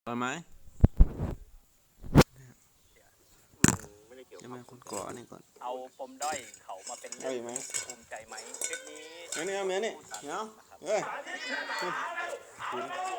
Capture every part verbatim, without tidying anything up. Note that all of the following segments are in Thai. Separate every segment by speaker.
Speaker 1: ตอนไหม
Speaker 2: ไม่ได้เกี่ยว
Speaker 1: จะ
Speaker 2: กับ
Speaker 1: มาคนก่ออันนี้ก่อน
Speaker 3: เอาปมด้อยเขามาเป็นเรื่
Speaker 1: เอา
Speaker 3: อง
Speaker 1: อีกไหม
Speaker 3: ภูมิใจไหมคลิปนี้
Speaker 1: เนื้อเนื้อนี่เนาะเอ้ยคุณ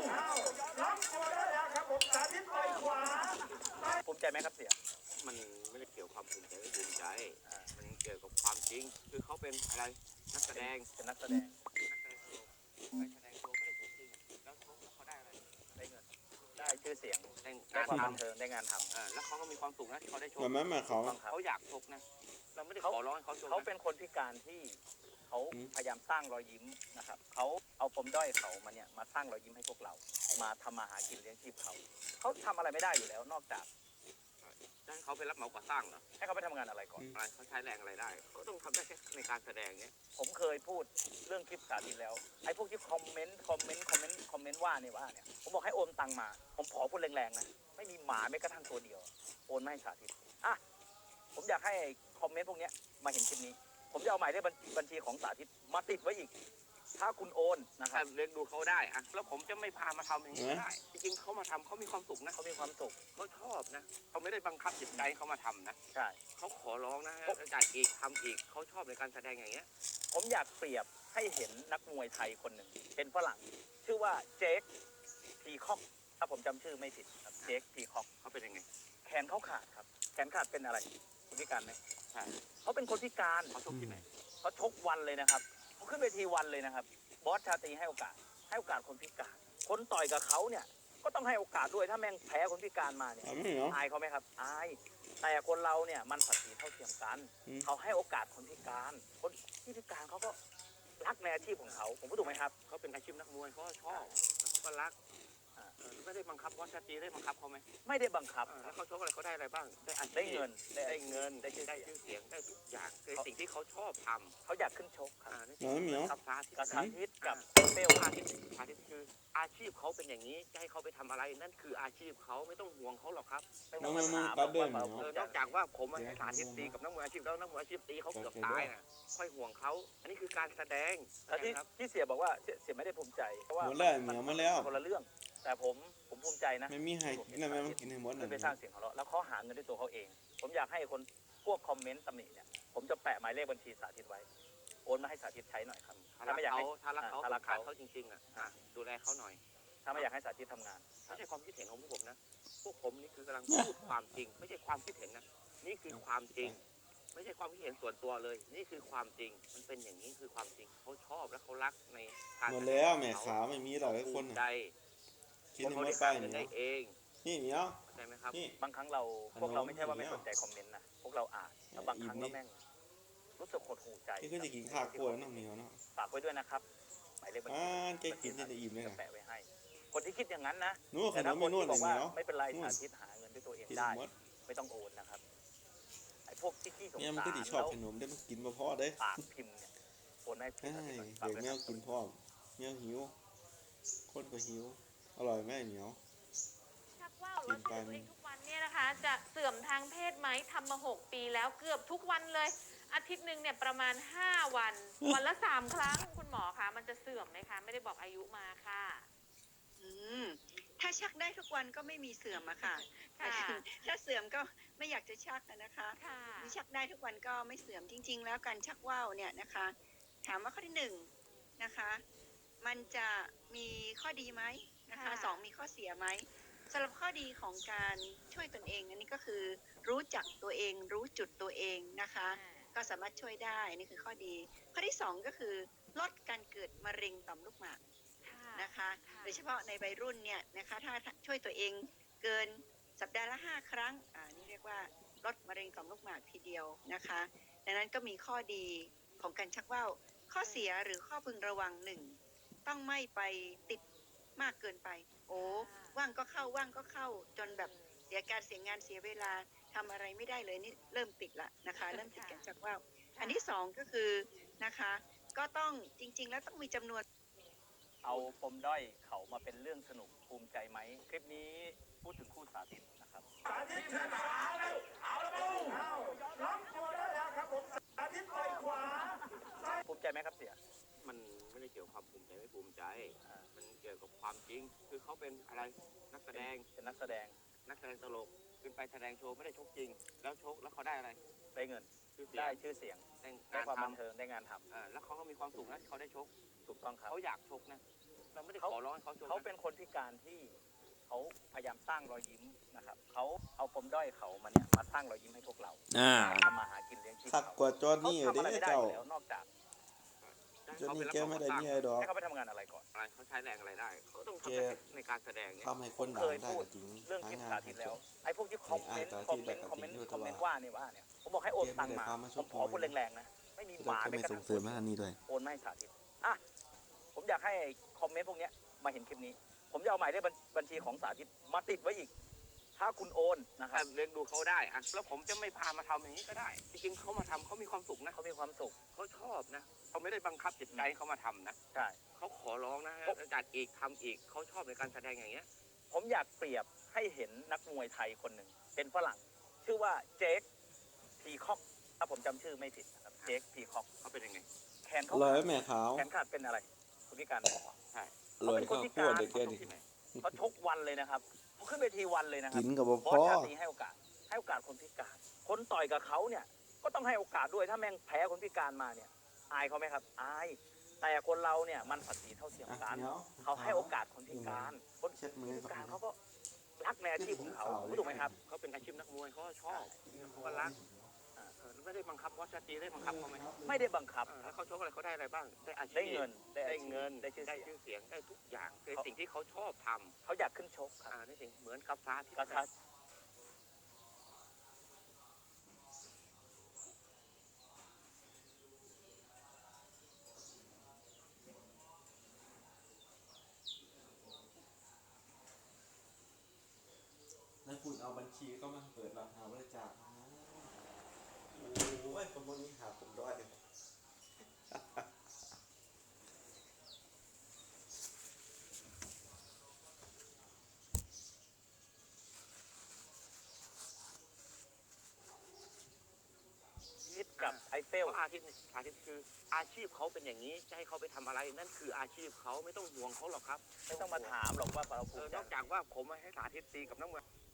Speaker 3: ภูมิใจไหมครับเสีย
Speaker 2: มันไม่ได้เกี่ยวกับความภูมิใจไม่ภูมิใจมันเกี่ยวกับความจริงคือเขาเป็นอะไรนักแสดง
Speaker 3: เป็นนักแสดง
Speaker 2: นักแสดงตลกไปแสดงตัวไม่ได้จริงแล้วเขาเขาได้อะไร
Speaker 3: ได้เงินได้ชื่อเสียง
Speaker 2: ได้
Speaker 3: ได้ความบัน
Speaker 2: ทำ
Speaker 3: เทิงได้งานทำ
Speaker 2: อ่าแล้วเขาก็มีความสุขนะที่เขาได้ชม
Speaker 1: แบบนั้นมาเขา
Speaker 2: เขาอยากชกนะเราไม่ได้ขอร้องให้เขาชก
Speaker 3: เขาเป็นคนพิการที่เขาพยายามสร้างรอยยิ้มนะครับเขาเอาปมด้อยเขามาเนี่ยมาสร้างรอยยิ้มให้พวกเรามาทำมาหากินเลี้ยงชีพเขาเขาทำอะไรไม่ได้อยู่แล้วนอกจาก
Speaker 2: ให้เขาไปรับเหมาก่อสร้างเหรอ
Speaker 3: ให้เขาไปทำงานอะไรก่อน
Speaker 2: อะไรเขาใช้แรงอะไรได้ก็ต้องทำได้แค่ในการแสดงเนี้ย
Speaker 3: ผมเคยพูดเรื่องคลิปสาธิตแล้วไอ้พวกที่คอมเมนต์คอมเมนต์คอมเมนต์คอมเมนต์ว่าเนี่ยว่าเนี่ยผมบอกให้โอนตังมาผมขอพูดแรงๆนะไม่มีหมาไม่กระทั่งตัวเดียวโอนไม่ให้สาธิตอ่ะผมอยากให้คอมเมนต์พวกนี้มาเห็นคลิปนี้ผมจะเอาหมายเลขบัญชีของสาธิตมาติดไว้อีกถ้าคุณโอนนะครับ
Speaker 2: เลี้ยงดูเขาได้อะแล้วผมจะไม่พามาทำอย่างนี้ได้จริงๆเขามาทำเขามีความสุขนะ
Speaker 3: เขามีความสุข
Speaker 2: เขาชอบนะเขาไม่ได้บังคับจิตใจเขามาทำนะ
Speaker 3: ใช่
Speaker 2: เขาขอร้องนะจ่ายอีกทำอีกเขาชอบในการแสดงอย่างเงี้ย
Speaker 3: ผมอยากเปรียบให้เห็นนักมวยไทยคนหนึ่งเป็นฝรั่งชื่อว่าเจคพีคอกถ้าผมจำชื่อไม่ผิดครับเจคพีคอก
Speaker 2: เขาเป็นยังไง
Speaker 3: แขนเขาขาดครับแขนขาดเป็นอะไรคนพิการไหม
Speaker 2: ใช่
Speaker 3: เขาเป็นคนพิการ
Speaker 2: เขาชกที่ไหน
Speaker 3: เขาชกวันเลยนะครับเขาขึ้นเวทีวันเลยนะครับบอสชาตรีให้โอกาสให้โอกาสคนพิการคนต่อยกับเขาเนี่ยก็ต้องให้โอกาสด้วยถ้าแม่งแพ้คนพิการมาเนี่ยอายเขาไหมครับอายแต่คนเราเนี่ยมันศักดิ์ศรีเท่าเทียมกันเขาให้โอกาสคนพิการคนที่พิการเขาก็รักในอาชีพของเขาผมพูดถูกไหมครับ
Speaker 2: เขาเป็นอาชีพนักมวยเขาชอบเขาก็รักไม่ได้บังคับบอสชาตรีได้บังคับเขาไหม
Speaker 3: ไม่ได้บังคับ
Speaker 2: แล้วเขาชกอะไรเขาได้อะไรบ้างได้
Speaker 3: ได้เงิน
Speaker 2: ได้เงินได้ชื่อเสียงได้ทุกอย่างคือสิ่งที่เขาชอบทำ
Speaker 3: เขาอยากขึ้นชกครับ
Speaker 1: น้อยเหมียว
Speaker 2: กับพา
Speaker 3: ทิตกับพาทิตกับ
Speaker 2: เปลพาทิตพาทิตคืออาชีพเขาเป็นอย่างนี้จะให้เขาไปทำอะไรนั่นคืออาชีพเขาไม่ต้องห่วงเขาหรอกครับ
Speaker 1: น้องมึงตัดเดินเหร
Speaker 2: อนอกจากว่าผมมาสาธิตตีกับนักมวยอาชีพแล้วนักมวยอาชีพตีเขาเกือบตายนะค่อยห่วงเขาอันนี้คือการแสดง
Speaker 3: ที่ที่เสียบอกว่าเสียไม่ได้ภูมิใจเพราะว่า
Speaker 1: หมดแล้วเหมียวมาแล้ว
Speaker 3: คนละเรื่องแต่ผมผมภูมิใจนะ
Speaker 1: ไม่มีให้นั่นไม่มากินให้หมด
Speaker 3: นะไปสร้างเสียงของเราแล้วเขาหาเงินด้วยตัวเขาเองผมอยากให้คนพวกคอมเมนต์ตำหนิเนี่ยผมจะแปะหมายเลขบัญชีสาธิตไว้โอนมาให้สาธิตใช้หน่อยครับ
Speaker 2: ถ้าไม่อยากให้ถ้ารักเขาถ้ารักเขาจริงๆอ่ะดูแลเขาหน่อย
Speaker 3: ถ้าไม่อยากให้สาธิตทำงาน
Speaker 2: ไม่ใช่ความคิดเห็นของพวกผมนะพวกผมนี่คือกำลังพูดความจริงไม่ใช่ความคิดเห็นนะนี่คือความจริงไม่ใช่ความคิดเห็นส่วนตัวเลยนี่คือความจริงมันเป็นอย่างนี้คือความจริงเขาชอบและเขารักใน
Speaker 1: การหมดแล้วแม่ขาไม่มีหรอกไอ้คน
Speaker 2: ใจ
Speaker 1: คิดไม่ไปเนี่ย
Speaker 2: ได้เอง
Speaker 1: นี่เหมียว
Speaker 2: ใช่ไหมครับ
Speaker 3: บางครั้งเราพวกเราไม่ใช่ว่าไม่สนใจคอมเมนต์นะพวกเราอ่านแล้วบางครั้งก็แม่งรู้สึกหดหูใจ
Speaker 1: ที่ก็จะกินข้าวกล้วยน้องเหมียวเนาะ
Speaker 3: ฝากไว้ด้วยนะครับหมายเลขบัญชี
Speaker 1: อ่าแกกินจะอิ่มเลย
Speaker 3: แปะไว้ให้คนที่คิดอย่างนั้นนะ
Speaker 1: แต่ถ้าคนที่บอกว่า
Speaker 3: ไม่เป็นไรสาธิตหาเงินด้วยตัวเองได้ไม่ต้องโอนนะครับไอ้พวกที่ขี้สงสาร
Speaker 1: เนี่ยมันก็ดีชอบขนมได้มันกินมาพอได้
Speaker 3: ปากพิมพ์เนี่ยโอนให้
Speaker 1: เดี๋ยวแมวกินพ่อแมวหิวคนก็หิวอร่อยไหมเหมียว
Speaker 4: ชักว่าวแล้วตัวเองทุกวันเนี่ยนะคะจะเสื่อมทางเพศไหมทำมาหกปีแล้วเกือบทุกวันเลยอาทิตย์หนึ่งเนี่ยประมาณห้าวันวันละสามครั้งคุณหมอคะมันจะเสื่อมไหมคะไม่ได้บอกอายุมาค่ะ
Speaker 5: อืมถ้าชักได้ทุกวันก็ไม่มีเสื่อมอะค่ะถ้าเสื่อมก็ไม่อยากจะชักนะคะมีชักได้ทุกวันก็ไม่เสื่อมจริงๆแล้วการชักว่าวเนี่ยนะคะถามว่าข้อที่หนึ่งนะคะมันจะมีข้อดีไหมนะคะสองมีข้อเสียไหมสำหรับข้อดีของการช่วยตนเองอันนี้ก็คือรู้จักตัวเองรู้จุดตัวเองนะคะก็สามารถช่วยได้นี่คือข้อดีข้อที่สองก็คือลดการเกิดมะเร็งต่อมลูกหมากนะคะโดยเฉพาะในวัยรุ่นเนี่ยนะคะถ้าช่วยตัวเองเกินสัปดาห์ละห้าครั้งอ่านี่เรียกว่าลดมะเร็งต่อมลูกหมากทีเดียวนะคะดังนั้นก็มีข้อดีของการชักว่าวข้อเสียหรือข้อพึงระวังหนึ่งต้องไม่ไปติดมากเกินไปโอ้ว่างก็เข้าว่างก็เข้าจนแบบเสียการเสียงานเสียเวลาทำอะไรไม่ได้เลยนี่เริ่มติดละนะคะเริ่มติดการชักว่าวอันที่สองก็คือนะคะก็ต้องจริงๆแล้วต้องมีจำนวน
Speaker 3: เอาปมด้อยเขามาเป็นเรื่องสนุกภูมิใจไหมคลิปนี้พูดถึงคู่สาธิตนะครับสาธิตขวาแล้วเอาแล้วล็อกตัวได้แล้วครับผมสาธิตไปขวาภูมิใจไหมครับเสีย
Speaker 2: มันไม่ได้เกี่ยวกับความภูมิใจไม่ภูมิใจมันเกี่ยวกับความจริง คือเขาเป็นอะไรนักแสดง
Speaker 3: เป็นนักแสดง
Speaker 2: นักแสดงตลกขึ้นไปแสดงโชว์ไม่ได้ชกจริง แล้วชกแล้วเขาได้อะไร
Speaker 3: ได้เงิน
Speaker 2: ชื่อเสีย
Speaker 3: ได้
Speaker 2: ง
Speaker 3: ชื่อเสียง
Speaker 2: ได้
Speaker 3: ได้
Speaker 2: งาน
Speaker 3: ความบัน
Speaker 2: ทำ
Speaker 3: เทิงได้งานทำ
Speaker 2: อ่าแล้วเขาก็มีความสุขนะที่เขาได้ชก
Speaker 3: ถูกต้องครับ
Speaker 2: เขาอยากชกนะเราไม่ได้
Speaker 3: เขา
Speaker 2: ขอร้องให้เขาชก
Speaker 3: เขา
Speaker 2: นะ
Speaker 3: เป็นคนพิการที่เขาพยายามสร้างรอยยิ้มนะครับเขาเอาปมด้อยเขามาเนี่ยมาสร้างรอยยิ้มให้พวกเรา
Speaker 1: อ่า
Speaker 3: ทำมาหากินเลี้ยงชีพ
Speaker 1: คัก
Speaker 3: เขา
Speaker 1: กว่าจอห์น
Speaker 3: เขา
Speaker 1: นี่
Speaker 3: ทำอะไร
Speaker 1: เด้
Speaker 3: ไม่ได้
Speaker 1: เจ้า
Speaker 3: อยู่แล้วนอกจาก
Speaker 1: จอห์นนี่แกไม่ได้มีไอดอล
Speaker 3: ให้เขาไปทำงานอะไรก่อน
Speaker 2: อะไรเขาใช้แรงอะไรได้เขาต้อง
Speaker 1: แก
Speaker 2: ทำในการแสดงเนี่ย
Speaker 1: ทำให้คนดั
Speaker 3: เค
Speaker 1: ง
Speaker 3: ย
Speaker 1: ได้
Speaker 3: พูด
Speaker 1: ก็จริง
Speaker 3: เรื่อง
Speaker 1: หา
Speaker 3: คลิป
Speaker 1: งาน
Speaker 3: สาธิตแล้วไอ้พวกที่คอมเมนต์
Speaker 1: ไอ้
Speaker 3: คอม
Speaker 1: สาธิ
Speaker 3: เม
Speaker 1: ต
Speaker 3: นต์คอมเมนต์
Speaker 1: แบบ
Speaker 3: คอมเมนต์
Speaker 1: ว่า
Speaker 3: ว่าเนี่ยว่าเนี่ยผมบอกให้โอนตังค์มา
Speaker 1: เกมไม่ได้พามาช
Speaker 3: ผ
Speaker 1: ก
Speaker 3: มขอคนแรงๆนะไม่มีห
Speaker 1: เรา
Speaker 3: มา
Speaker 1: จะ
Speaker 3: ไม่
Speaker 1: ไม่
Speaker 3: กระ
Speaker 1: ส่
Speaker 3: ทั่
Speaker 1: ง
Speaker 3: ง
Speaker 1: เสริมให้อันนี้ด้วย
Speaker 3: โอนมาให้สาธิตอ่ะผมอยากให้คอมเมนต์พวกเนี้ยมาเห็นคลิปนี้ ผมจะเอาหมายเลขบัญบัญชีของสาธิตมาติดไว้อีก ถ้าคุณโอนนะค
Speaker 2: ถ้า
Speaker 3: รับ
Speaker 2: เลี้ยงดูเขาได้อะแล้วผมจะไม่พามาทำอย่างนี้ก็ได้ จริงๆเขามาทำเขามีความสุขนะ
Speaker 3: เขามีความสุข
Speaker 2: เขาชอบนะเขาไม่ได้บังคับจิตใจให้เขามาทำนะ
Speaker 3: ใช่
Speaker 2: เขาขอร้องนะจัดอีกทำอีกเขาชอบในการแสดงอย่างเงี้ย
Speaker 3: ผมอยากเปรียบให้เห็นนักมวยไทยคนหนึ่งเป็นฝรั่ง ชื่อว่าเจคพีคอกถ้าผมจำชื่อไม่ผิดนะครับเจคพีคอก
Speaker 2: เขาเป็นยังไง
Speaker 3: แขนเขา
Speaker 1: ลอย
Speaker 3: ขาด
Speaker 1: แม่ขาว
Speaker 3: แขนขาดเป็นอะไรคุณพิการบอก
Speaker 2: ใช่
Speaker 1: ลอยข้าวคั่วเด็กแกนี่
Speaker 2: ที่ไหน
Speaker 3: เขาชกวันเลยนะครับเขาขึ้นเวทีวันเลยนะครับ
Speaker 1: กินกับบ
Speaker 3: บอ
Speaker 1: พ่
Speaker 3: ส
Speaker 1: อ
Speaker 3: ชาตรีให้โอกาสให้โอกาสคนพิการ คนต่อยกับเขาเนี่ยก็ต้องให้โอกาสด้วยถ้าแม่งแพ้คนพิการมาเนี่ยอายเขาไหมครับอายแต่คนเราเนี่ยมันศักดิ์ศรีเท่าเทียมกัน
Speaker 1: อ่ะ
Speaker 3: เขาให้โอกาสคนพิการคน
Speaker 1: เช็ดมือ
Speaker 3: พิการเขาก็รักในอาชีพของเขาถูกไหมครับ
Speaker 2: เขาเป็นอาชีพนักมวยเขาก็ชอบเขาก็รักอ่าเออไม่ได้บังคับว่าชาตรีได้บังคับเขาไหม
Speaker 3: ไม่ได้บังคับ
Speaker 2: เออแล้วเขาชกอะไรเขาได้อะไรบ้าง ได้อาชีพ
Speaker 3: ได้เงิน
Speaker 2: ได้เงิน
Speaker 3: ได้ชื่อ
Speaker 2: ได้
Speaker 3: เสียง
Speaker 2: ชื่อเสียงได้ทุกอย่างเป็นสิ่งที่เขาชอบท
Speaker 3: เขาอยากขึ้นชก
Speaker 2: ำ
Speaker 3: ครับ
Speaker 2: อ่าในสิ่งเหมือนกับฟ้าที่
Speaker 3: กระทัด
Speaker 1: แล้วคุณเอาบัญชีก็มาเปิดรับหาบริจาคนะโอ้ยคนพวกนี้หาผมด้อย
Speaker 3: มิดกับไอเฟ
Speaker 2: เพ
Speaker 3: ล
Speaker 2: ราะอาทิตย์เนี่ยอาทิตย์คืออาชีพเขาเป็นอย่างนี้จะให้เขาไปทำอะไรนั่นคืออาชีพเขาไม่ต้องห่วงเขาหรอกครับ
Speaker 3: ไม่ต้องมาถามหรอกว่าเรา
Speaker 2: เอ
Speaker 3: ภู
Speaker 2: อ
Speaker 3: มิใจ
Speaker 2: นอกจากว่าผมให้สาธิตตีกับนักมวย